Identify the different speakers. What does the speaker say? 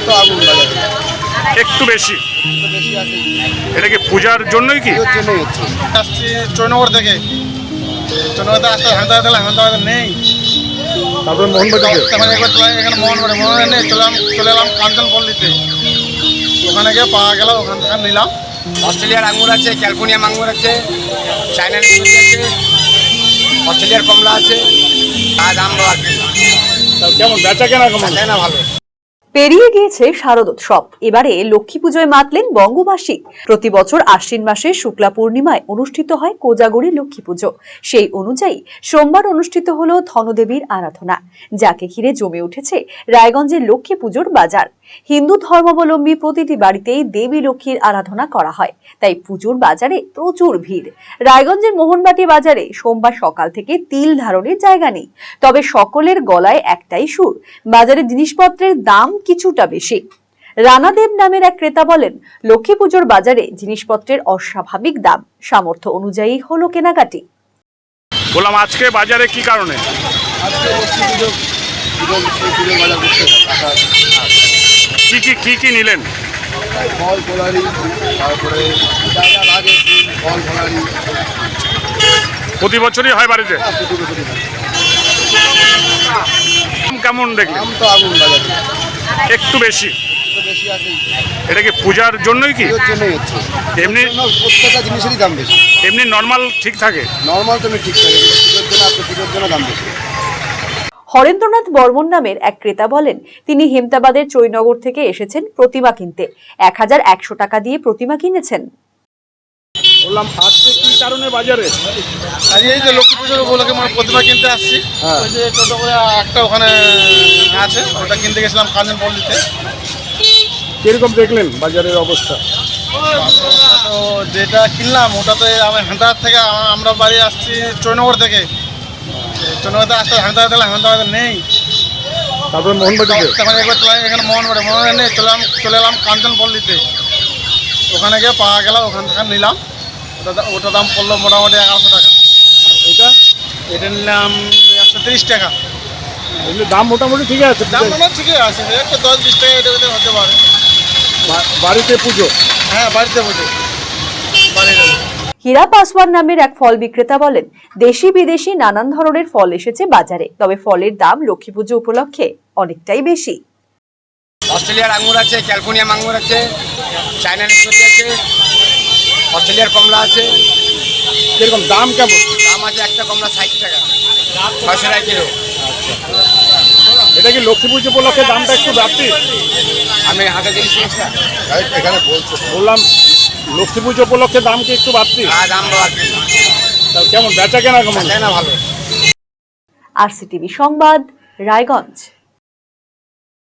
Speaker 1: তো আগুন বাজারে
Speaker 2: একটু বেশি।
Speaker 1: আছে।
Speaker 2: এটা কি পূজার জন্যই কি?
Speaker 1: এর জন্যই হচ্ছে। আসছি চৈনগর থেকে, চৈনগরতে আসতে হান্তাবাদে নেই।
Speaker 2: তারপরে মোহনবাজারে
Speaker 1: তখন একবার এখানে মোহনবাজারে নেই, চলে এলাম কাঞ্চনপল্লীতে। ওখানে গিয়ে পাওয়া গেল, ওখান থেকে নিলাম।
Speaker 3: অস্ট্রেলিয়ার আঙুর আছে, ক্যালিফোর্নিয়া আঙুর আছে, চায়না নাশপাতি আছে, অস্ট্রেলিয়ার কমলা আছে। আর দাম আর কি
Speaker 2: কেমন বেচা কেনা কেমন?
Speaker 3: না ভালো।
Speaker 4: পেরিয়ে গিয়েছে শারদোৎসব, এবারে লক্ষ্মী পুজোয় মাতলেন বঙ্গবাসী। প্রতি বছর আশ্বিন মাসের শুক্লা পূর্ণিমায় অনুষ্ঠিত হয় কোজাগরী লক্ষ্মী পুজো। সেই অনুযায়ী সোমবার অনুষ্ঠিত হলো ধনদেবীর আরাধনা, যাকে ঘিরে জমে উঠেছে রায়গঞ্জের লক্ষ্মী পুজোর বাজার। হিন্দু ধর্মাবলম্বী প্রতিটি বাড়িতেই দেবী লক্ষ্মীর আরাধনা করা হয়, তাই পুজোর বাজারে প্রচুর ভিড়। রায়গঞ্জের মোহনবাটি বাজারে সোমবার সকাল থেকে তিল ধারণের জায়গা নেই, তবে সকলের গলায় একটাই সুর, বাজারে জিনিসপত্রের দাম কিছুটা বেশি। রানাদেব নামের এক ক্রেতা বলেন, লক্ষ্মী পুজোর বাজারে জিনিসপত্রের অস্বাভাবিক দাম, সামর্থ্য অনুযায়ী হলো কেনাকাটি।
Speaker 2: বললাম আজকে বাজারে কি কারণে?
Speaker 1: আজকে লক্ষ্মী পুজো বাজার করতে
Speaker 2: কি নিলেন?
Speaker 1: ফল ফলারি, তারপরে যা যা লাগে ফল ফলারি।
Speaker 2: প্রতি বছরই হয় বাড়িতে?
Speaker 1: প্রতি বছরই হয়।
Speaker 2: দাম কেমন দেখলেন?
Speaker 1: দাম তো আগুন বাজারে
Speaker 2: একটু বেশি।
Speaker 1: একটু বেশি আছে।
Speaker 2: এটা কি পূজার জন্যই কি?
Speaker 1: এর জন্যই হচ্ছে।
Speaker 2: এমনি
Speaker 1: প্রত্যেকটা জিনিসেরই দাম বেশি।
Speaker 2: এমনি নর্মাল ঠিক থাকে?
Speaker 1: নর্মাল তো ঠিক থাকে, পুজোর জন্য আপনি পুজোর জন্য দাম বেশি।
Speaker 4: হরেন্দ্রনাথ বর্মন নামের এক ক্রেতা বলেন, তিনি হেমতাবাদের চৈনগর থেকে এসেছেন প্রতিমা কিনতে। 1100 টাকা দিয়ে প্রতিমা কিনেছেন।
Speaker 2: বললাম আজকে কি কারণে বাজারে?
Speaker 1: আর এই যে লক্ষ্মী পুজোর উপলক্ষে মানে প্রতিমা কিনতে আসছি। ওই যে টোটো করে একটা ওখানে আছে, ওটা কিনতে গেছিলাম কাঞ্চনপল্লীতে।
Speaker 2: কিরকম দেখলেন বাজারের অবস্থা?
Speaker 1: তো যেটা কিনলাম ওটাতে আমি হান্তাবাদ থেকে, আমরা বাড়ি আসছি চৈনগর থেকে। চৈনগরতে আসতে হান্তাবাদে নেই।
Speaker 2: তারপরে মোহনবাজারে
Speaker 1: তখন একবার এখানে মোহনবাজারে নেই, চলে এলাম কাঞ্চনপল্লীতে। ওখানে গিয়ে পাওয়া গেল, ওখান থেকে নিলাম। ওটা দাম পড়লো মোটামুটি 1100 টাকা।
Speaker 2: এটা
Speaker 1: এটা নিলাম 130 টাকা।
Speaker 2: এমনি দাম মোটামুটি ঠিক আছে?
Speaker 1: দাম মনে ঠিকই আছে, একটা 10-20 টাকা এটা ভিতরে হতে পারে।
Speaker 2: বাড়িতে পুজো?
Speaker 1: হ্যাঁ, বাড়িতে পুজো, বাড়িতে।
Speaker 4: হীরা পাসওয়ান নামের এক ফল বিক্রেতা বলেন, দেশি বিদেশি নানান ধরনের ফল এসেছে বাজারে, তবে ফলের দাম লক্ষ্মী পুজো উপলক্ষে অনেকটাই বেশি।
Speaker 3: অস্ট্রেলিয়ার আঙুর আছে, ক্যালিফোর্নিয়া আঙুর আছে, চায়না নাশপাতি আছে, অস্ট্রেলিয়ার কমলা আছে।
Speaker 2: কিরকম দাম কেমন?
Speaker 3: দাম আছে একটা কমলা 60 টাকা, 600 টাকা কিলো।
Speaker 2: এটা কি লক্ষ্মী পুজো উপলক্ষে দামটা একটু বাড়তি?
Speaker 3: আমি হাতে দিয়েছি
Speaker 1: এখানে বলছো।
Speaker 2: বললাম লক্ষ্মী পুজো উপলক্ষে দাম কি একটু বাড়তি?
Speaker 3: আর দাম আর কি
Speaker 2: কেমন বেচা কেনা কেমন?
Speaker 3: না ভালো।
Speaker 4: RCTV সংবাদ, রায়গঞ্জ।